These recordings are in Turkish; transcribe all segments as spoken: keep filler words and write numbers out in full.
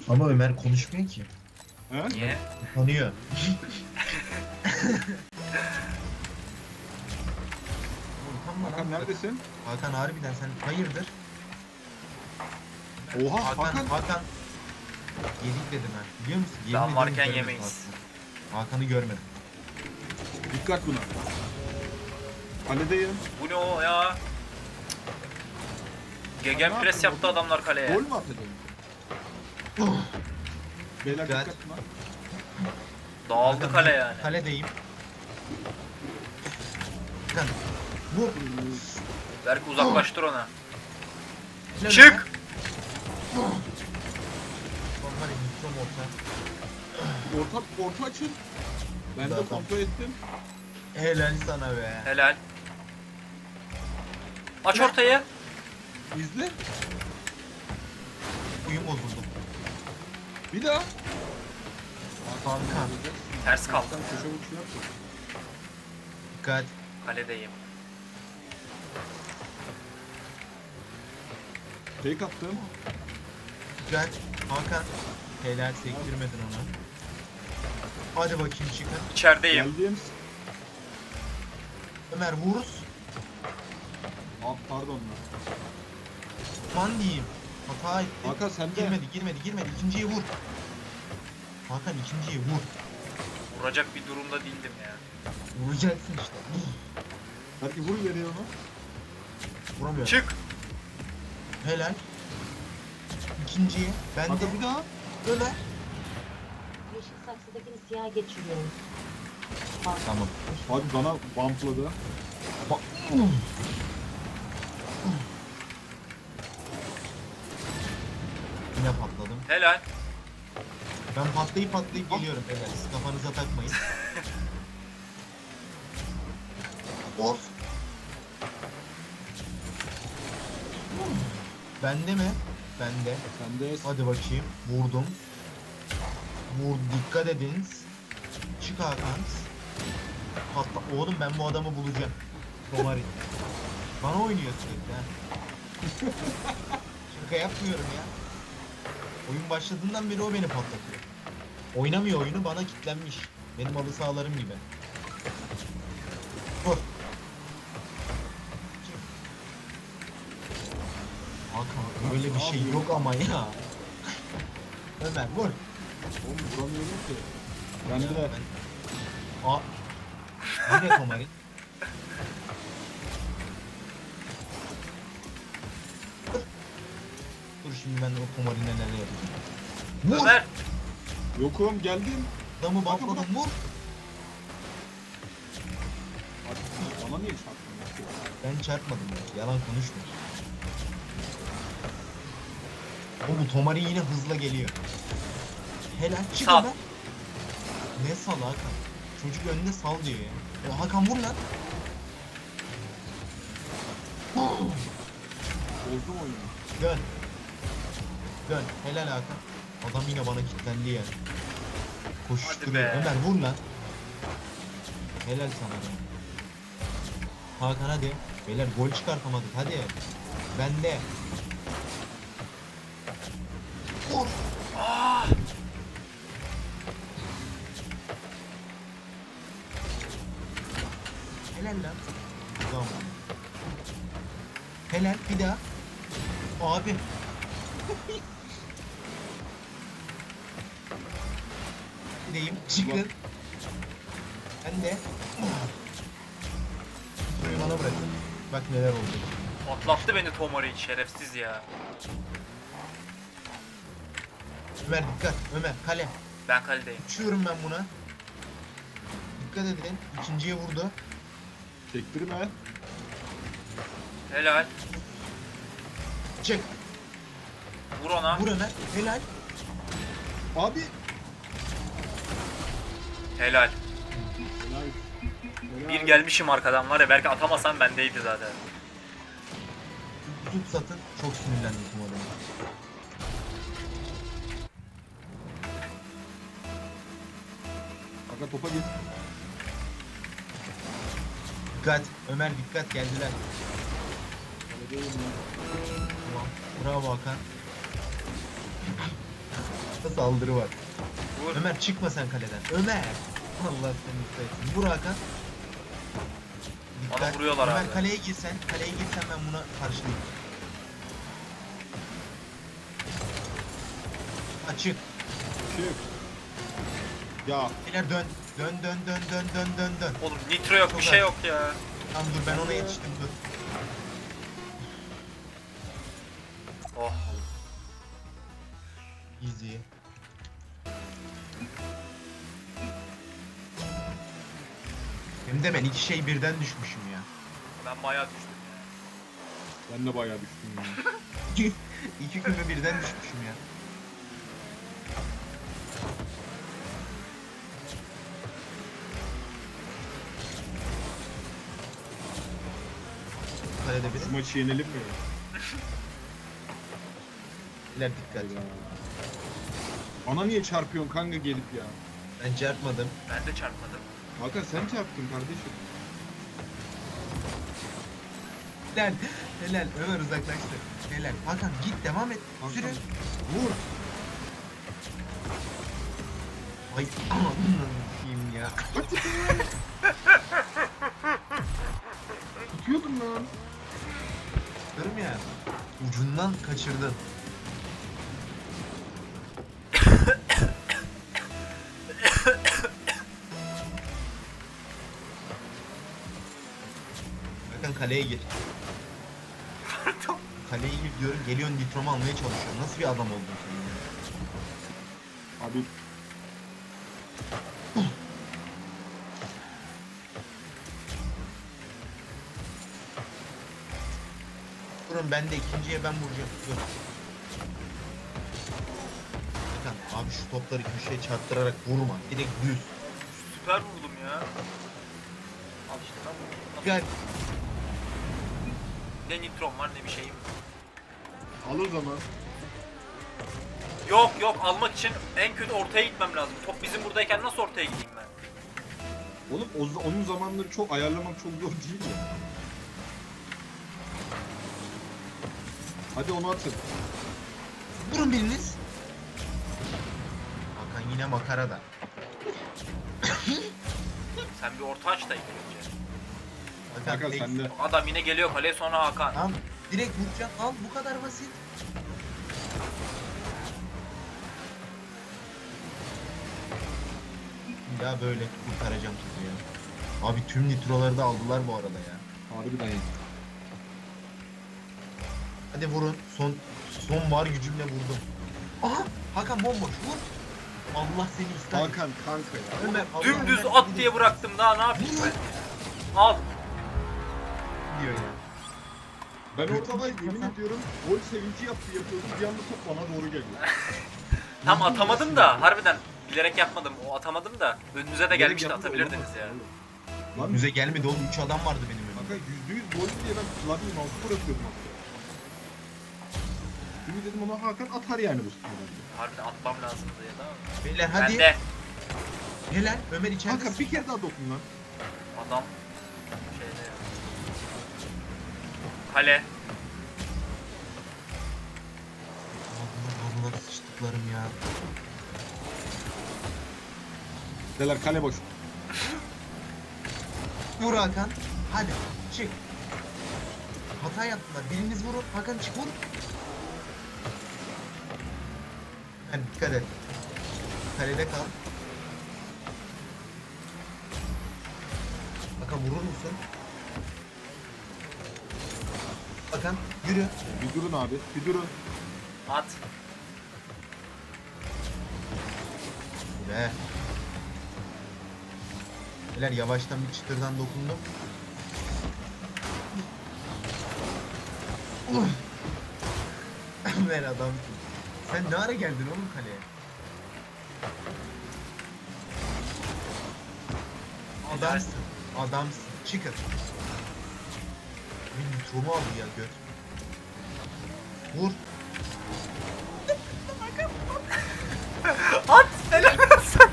Ama Ömer konuşmuyor ki. He? Niye? Tanıyor. Utanma Hakan lan. neredesin? Hakan harbiden sen hayırdır? Oha Hakan, Hakan. Hakan. Yedik dedim ben. Biliyor musun? Yemin Daha ederim varken görmedim yemeyiz. Hakan'ı. Hakan'ı görmedim. Dikkat buna. Kaledeyim. Bu ne o ya? Gegen ne pres yaptın yaptı oğlum? adamlar kaleye. Gol mü atacağım? Beyler Dikkat. dikkat buna. Dağıldı Hakan, kale vur. yani. Kaledeyim. Hakan. Vur. Belki uzaklaştır ona. Helal Çık! Ömer. Normal mikrom orta. Orta, orta açın. Ben de Zaten. kontrol ettim. Helal sana be. Helal. Aç ortayı. İzle. Uyum bozuldu. Bir daha. Hakan. Ters kaldı. Sen köşe vuruşu yap. Dikkat. Kaledeyim. Fake attım. Dikkat. Hakan. Helal sektirmedin onu. Hadi bakayım çıkın. İçerideyim. Geldim. Ömer vuruz. Aa, pardon lan. Man diyeyim. Hata etti. Hakan sen de. Girmedi girmedi girmedi. İkinciyi vur. Hakan ikinciyi vur. Vuracak bir durumda değildim ya. Vuracaksın işte. Belki vur ileriye onu. Vuramıyor. Çık. Helal. İkinciyi. Ben de. Hakan bir daha. Ömer. Yeşil saksıdakini siyah geçiriyorum. Bak. Tamam. Abi bana bumpladı. Bak. Yine patladım. Helal. Ben patlayıp patlayıp geliyorum beyler. Siz kafanıza takmayın. Of. Bende mi? Bende. Sen de. Hadi bakayım. Vurdum. Vur. Dikkat edin. Çık Hakan. Patla. Oğlum ben bu adamı bulacağım. Romari. Bana oynuyor sürekli ha. Şaka yapmıyorum ya. Oyun başladığından beri o beni patlatıyor. Oynamıyor oyunu, bana kitlenmiş. Benim halı sahalarım gibi. Vur. Hakan öyle bir şey yok ama ya. Ömer vur. Oğlum vuramıyorum ki. Ben Ya de. ben- Aa. Yine Komari. Dur. Dur şimdi ben o Komari'ne neler yapacağım. Vur. Ömer. Yokum geldim. Adamı bakladım vur. Abi bana niye çarptın? Ben çarpmadım ya. Yalan konuşma. O bu Tomari yine hızla geliyor. Helal çık Sal. Ömer. Ne sal Hakan? Çocuk önünde sal diyor ya. O Hakan vur lan. Bozdum oyunu. Dön. Dön. Helal Hakan. Adam yine bana kilitlendi ya. Koşuşturuyor. Hadi be. Ömer vur lan. Helal sana be. Hakan hadi. Beyler gol çıkartamadık hadi. Bende. Vur. Aa! Helal lan. Tamam. Helal bir daha. Abi. Gideyim. Çıkın. Ben de. Şurayı bana bırakın. Bak neler oldu. Atlattı beni Tomori şerefsiz ya. Ömer dikkat. Ömer kale. Ben kaledeyim. Uçuyorum ben buna. Dikkat edin. İkinciye vurdu. Çektirme. Helal. Çek. Vur ona. Vur Ömer. Helal. Abi. Helal. Helal. Helal. Bir gelmişim arkadan var ya, belki atamasam bendeydi zaten. Tut satın. Çok sinirlendim bu adama. Hakan topa git. Dikkat. Ömer dikkat geldiler. Kaledeyim ya. Tamam. Bravo Hakan. Saldırı var. Vur. Ömer çıkma sen kaleden. Ömer. Allah seni istesin. Vur Hakan. Bana vuruyorlar Ömer abi. kaleye girsen, kaleye girsen ben buna karşılayayım. Açık. Çık. Ya Beyler dön. Dön dön dön dön dön dön dön. Oğlum nitro yok, bir şey yok ya. Tamam dur ben ona yetiştim dur. Oh. Easy. Hem de ben iki şey birden düşmüşüm ya. Ben bayağı düştüm ya. ben de bayağı düştüm ya. İki, iki küme birden düşmüşüm ya. Kalede biri. Şu maçı yenelim mi? İler dikkat. Ya. Bana niye çarpıyorsun kanka gelip ya? Ben çarpmadım. Ben de çarpmadım. Hakan sen çarptın kardeşim. Helal. Helal. Ömer uzaklaştı. Helal. Hakan git devam et. Hakan, Sürü. Vur. Ay ananı kim ya. Tutuyordum lan. Diyorum ya. Ucundan kaçırdın. Hakan kaleye gir. Kaleye gir diyorum. Geliyorsun nitromu almaya çalışıyorsun. Nasıl bir adam oldun sen ya? Abi Durun ben de ikinciye ben vuracağım. Dur. Hakan abi şu topları köşeye çarptırarak vurma. Direkt düz. Süper vurdum ya. Al işte ben vurdum. Gel. Ne nitrom var ne bir şeyim. al o zaman. Yok yok, almak için en kötü ortaya gitmem lazım. Top bizim buradayken nasıl ortaya gideyim ben? Oğlum o, onun zamanları çok ayarlamak çok zor değil ya. Hadi onu atın. Vurun biriniz. Hakan yine makarada. Sen bir orta aç da ilk önce. Hakan, Hakan tek- sen de. Adam yine geliyor kaleye, sonra Hakan. Tamam. Direkt vuracağım. Al bu kadar basit. Ya böyle kurtaracağım sizi ya. Abi tüm nitroları da aldılar bu arada ya. Harbiden ya. Hadi vurun. Son son var gücümle vurdum. Aha! Hakan bomboş vur. Allah seni ister. Hakan kanka ya. Ömer, Allah Dümdüz Ömer at seni diye bıraktım, daha ne yapayım ben? Al. diyor ya. Ben Götür ortada git yemin Hakan. ediyorum gol sevinci yaptı yapıyordum. Bir anda top bana doğru geliyor. Tam atamadım da harbiden bilerek yapmadım. O atamadım da önünüze de Bilerek gelmişti, yaptı da atabilirdiniz olamaz ya. oğlum. Lan Müze gelmedi oğlum. üç adam vardı benim önümde. kanka yüzde yüz gol diye ben klavyeyi mouse'u bırakıyordum hatta. Şimdi dedim ona Hakan atar yani bu sefer. Harbiden atmam lazımdı ya da. Beyler Ben hadi. de Helal. Ömer içeride. Hakan bir kere daha dokun lan. adam şeyde ya. Kale. Allah Allah sıçtıklarım ya. Deler kale boş. Vur Hakan. Hadi çık. Hata yaptılar. Biriniz vurun. Hakan çık vur. Hadi dikkat et. Kalede kal. Hakan vurur musun? Hakan yürü. Bir durun abi. Bir durun. At. Be. Beyler yavaştan bir çıtırdan dokundum. Uh. Ver adam. Sen ne ara geldin oğlum kaleye? Adamsın. Adamsın. Çıkın. Bir nitromu aldı ya göt. Vur. At! Helal olsun.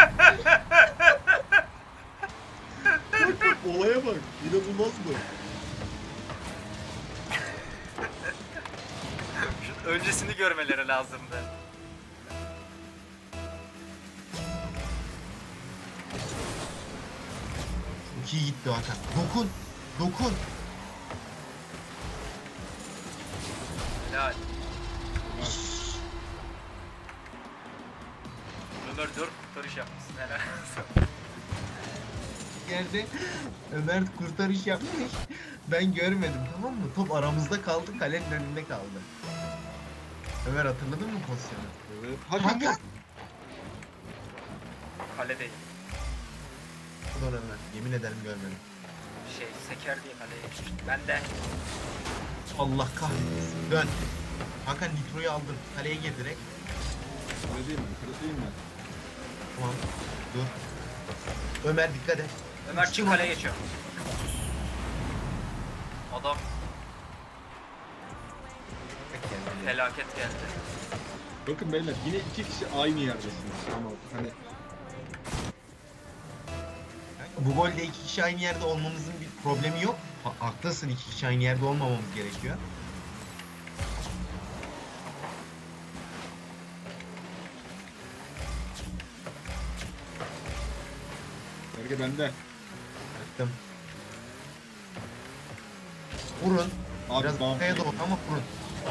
Olaya bak. İnanılmaz mı? Şu öncesini görmeleri lazımdı. Çok iyi gitti Hakan. Dokun. Dokun. Helal. Ömer dört kurtarış yapmışsın helal. Yerde Ömer kurtarış yapmış. Ben görmedim, tamam mı? Top aramızda kaldı, kalenin önünde kaldı. Ömer hatırladın mı pozisyonu? Evet. Hakan vur. Kaledeyim. Ulan Ömer, yemin ederim görmedim. Şey seker diye kaleye geçmiştim. Ben de Allah kahretsin. Dön. Hakan Nitro'yu aldın. Kaleye gir direkt. Öyle değil mi? Öyle değil mi? Tamam. Dur. Ömer dikkat et. Ömer çık kaleye geçiyor. Adam felaket geldi. Bakın beyler yine iki kişi aynı yerdesiniz. Ama hani Bu golde iki kişi aynı yerde olmamızın bir problemi yok. Ha, haklısın, iki kişi aynı yerde olmamamız gerekiyor. Berge bende. Baktım. Vurun. Abi Biraz bam. ortaya doğru ama vurun.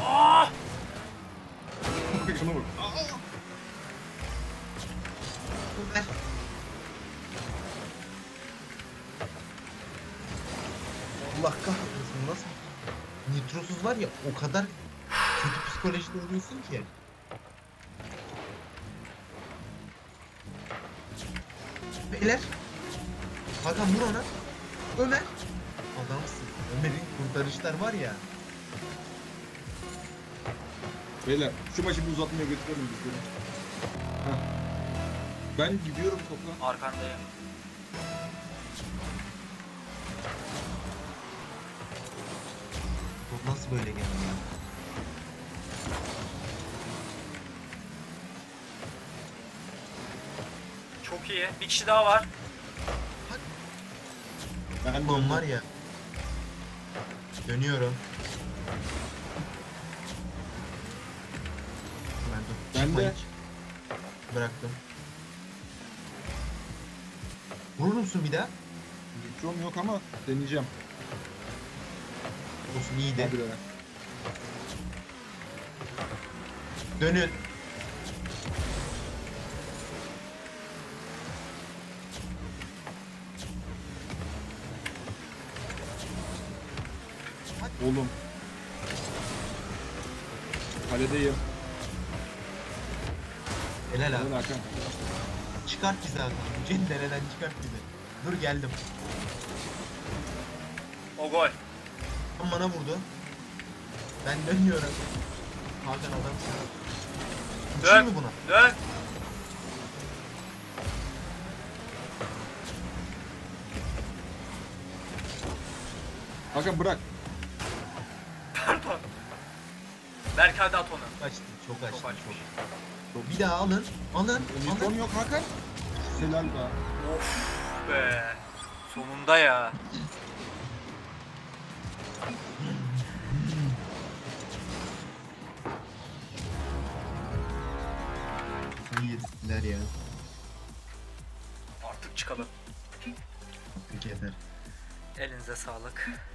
Şuna bak. Ver. Allah kahretsin, nasıl? Nitrosuz var ya, o kadar kötü psikolojide oluyorsun ki. Beyler. Hakan vur ona. Ömer. Adamsın. Ömer'in kurtarışlar var ya. Beyler şu maçı bir uzatmaya götürelim biz bunu. Heh. Ben gidiyorum topa. Arkandayım. Bu nasıl böyle geldi ya? Çok iyi. Bir kişi daha var. Ben Ulan var ya. Dönüyorum. Ben, dur, Ben çıkma de. hiç. Bıraktım. Vurur musun bir daha? Nitrom yok ama deneyeceğim. Olsun, iyiydi. Hadi beyler. Dönün. Oğlum. Kaledeyim. Helal abi. Hadi Hakan. Çıkart bizi abi. Bu cendereden çıkart bizi. Dur geldim. O gol. Tam bana vurdu. Ben dönüyorum. Hakan adamsın. Uçayım Dön. mı buna? Dön. Hakan bırak. Pardon. Berk hadi at onu. Açtım. Çok açtım. Çok açmış. Çok. Bir daha alın. Alın. Nitrom Alın. yok Hakan. Helal be. Of be. Sonunda ya. İyi yediler ya. Artık çıkalım. Artık yeter. Elinize sağlık.